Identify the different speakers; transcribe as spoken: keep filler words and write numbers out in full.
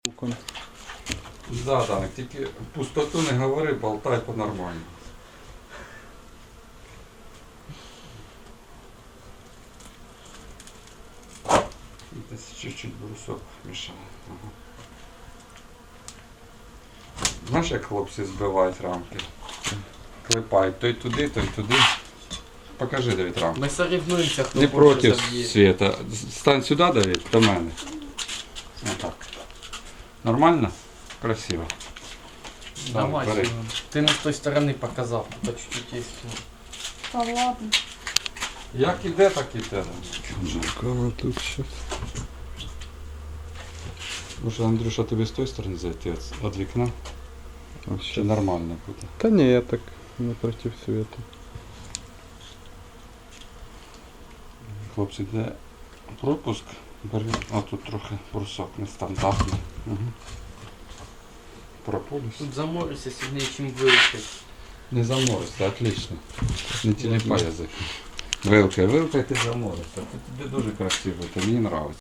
Speaker 1: Да, так, тільки пустоту не говори, болтай по-нормальному. Десь чуть-чуть брусок мішає. Ага. Знаєш, як хлопці збивають рамки? Клепають той туди, той туди. Покажи, Давид, рамку.
Speaker 2: Ми соревнуємося, хто
Speaker 1: Не
Speaker 2: більше
Speaker 1: проти
Speaker 2: заб'є.
Speaker 1: Света. Стань сюди, Давид, до мене. Отак. Нормально? Красиво.
Speaker 2: Давай,
Speaker 1: бери.
Speaker 2: Семен. Ти не з той сторони показав, по чуть-чуть є.
Speaker 3: Та ладно.
Speaker 1: Як іде, так іде.
Speaker 4: Жарко тут щось.
Speaker 1: Може, Андрюша, тобі з тої сторони зайти від вікна?
Speaker 4: А
Speaker 1: Чи
Speaker 4: щас.
Speaker 1: нормально буде?
Speaker 4: Та ні, я так напротив света.
Speaker 1: Хлопці, де пропуск? Бери. А тут трохи брусок нестандартний. Угу. Прополіс.
Speaker 2: Тут заморишся сильніше, ніж вилучить.
Speaker 1: Не заморишся, отлично. Не телепай язик. Вилкай, вилкай, ти заморишся. Ти, ти дуже красиво, це мені подобається.